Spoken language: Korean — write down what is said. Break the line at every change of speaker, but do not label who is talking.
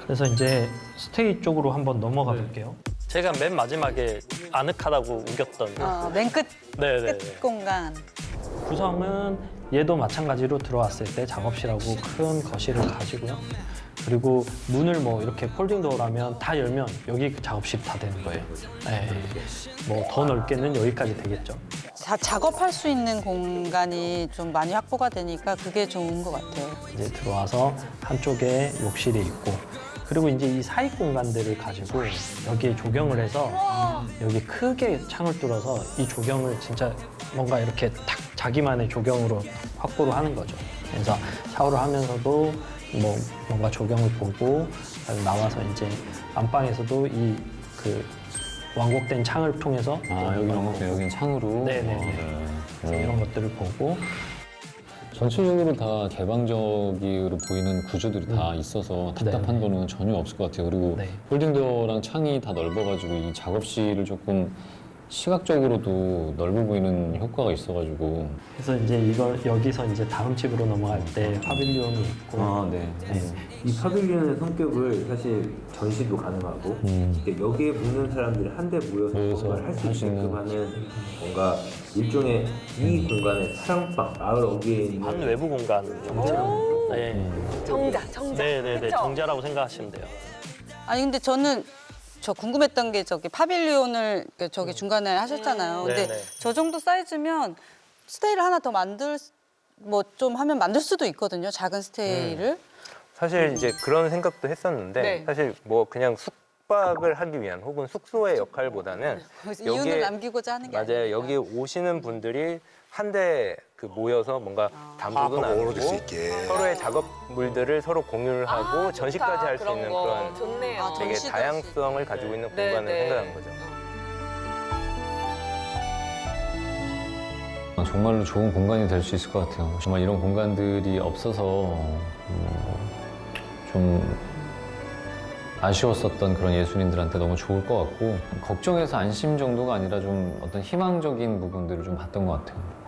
그래서 이제 스테이 쪽으로 한번 넘어가 볼게요. 제가 맨 마지막에 아늑하다고 우겼던
맨 끝
네네.
공간.
구성은 얘도 마찬가지로 들어왔을 때 작업실하고 큰 거실을 가지고요. 그리고 문을 뭐 이렇게 폴딩 도어라면 다 열면 여기 작업실 다 되는 거예요. 네. 뭐 더 넓게는 여기까지 되겠죠.
작업할 수 있는 공간이 좀 많이 확보가 되니까 그게 좋은 것 같아요.
이제 들어와서 한쪽에 욕실이 있고 그리고 이제 이 사익 공간들을 가지고 여기에 조경을 해서 여기 크게 창을 뚫어서 이 조경을 진짜 뭔가 이렇게 탁 자기만의 조경으로 확보를 하는 거죠. 그래서 샤워를 하면서도 뭐 뭔가 조경을 보고 나와서 이제 안방에서도 이 그 완곡된 창을 통해서
여기 영국도 여긴 창으로.
네네네. 그래서 이런 것들을 보고
전체적으로 다 개방적으로 보이는 구조들이 다 있어서 답답한
네네.
거는 전혀 없을 것 같아요. 그리고
네.
폴딩도어랑 창이 다 넓어가지고 이 작업실을 조금 시각적으로도 넓어 보이는 효과가 있어가지고.
그래서 이제 이걸 여기서 이제 다음 집으로 넘어갈 때 파빌리온이 있고
네.
이 파빌리온의 성격을 사실 전시도 가능하고 이렇게 여기에 묵는 사람들이 한데 모여서
모여서
뭔가를 할 수
할 수 있는.
있게끔 하는 뭔가 일종의 이 공간의 사랑방 마을 어귀에 있는
반 외부 공간 형태로 네.
정자.
네네네
그쵸?
정자라고 생각하시면 돼요.
아니 근데 저는 저 궁금했던 게 저기 파빌리온을 저기 중간에 하셨잖아요. 근데
네네.
저 정도 사이즈면 스테이를 하나 더 뭐 좀 하면 만들 수도 있거든요. 작은 스테이를.
사실 이제 그런 생각도 했었는데
네.
사실 뭐 그냥 숙박을 하기 위한 혹은 숙소의 역할보다는
거기서 이윤을 남기고자 하는 게
맞아요.
아니니까.
여기 오시는 분들이 한데 그 모여서 뭔가 담소도 나누고 서로의 작업물들을 서로 공유를 하고 전시까지 할 수 있는 그런
좋네요.
되게
전시도
다양성을 가지고 있는
네,
공간을
네.
생각한 거죠.
정말로 좋은 공간이 될 수 있을 것 같아요. 정말 이런 공간들이 없어서 좀 아쉬웠었던 그런 예술인들한테 너무 좋을 것 같고 걱정해서 안심 정도가 아니라 좀 어떤 희망적인 부분들을 좀 봤던 것 같아요.